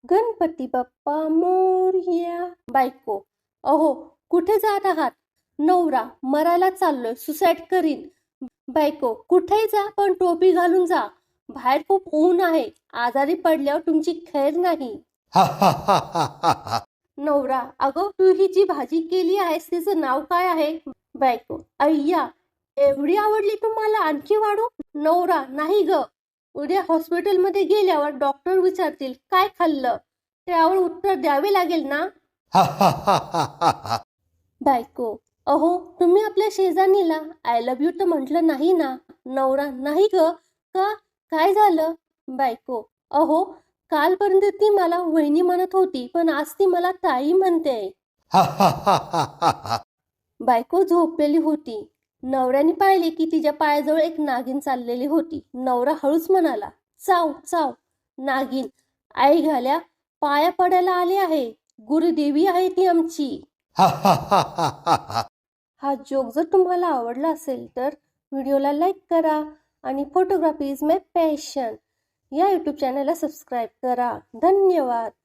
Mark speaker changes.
Speaker 1: गणपती बाप्पा मोरया. बायको: अहो, कुठे जात आहात? नवरा: मरायला चाललोय, सुसाईड करीन. बायको: कुठेही जा, पण टोपी घालून जा. बाहेर खूप ऊन आहे, आजारी पडल्यावर तुमची खैर नाही. नवरा: अगं, तू ही जी भाजी केली आहेस तिचं नाव काय आहे? बायको: अय्या, एवढी आवडली तुम्हाला, आणखी वाढू? नवरा: नाही ग, उद्या हॉस्पिटलमध्ये गेल्यावर डॉक्टर विचारतील काय खाल्लं, त्यावर उत्तर द्यावे लागेल ना. बायको: अहो, तुम्ही आपल्या शेजारणीला आय लव्ह यू तर म्हटलं नाही ना. नवरा: नाही ग, का, काय झालं? बायको: अहो, कालपर्यंत ती मला वहिनी म्हणत होती, पण आज ती मला ताई म्हणते. बायको झोपलेली होती. नवऱ्याने पाहिले की तिच्या पायाजवळ एक नागिन चाललेली होती. नवरा हळूच म्हणाला, चाव चाव. नागिन: आई घाल्या, पाया पडायला आले आहे, गुरुदेवी आहे ती आमची. हा जोक जर तुम्हाला आवडला असेल तर व्हिडिओला लाईक करा आणि फोटोग्राफी इज माय पॅशन या यूट्यूब चॅनलला सबस्क्राईब करा. धन्यवाद.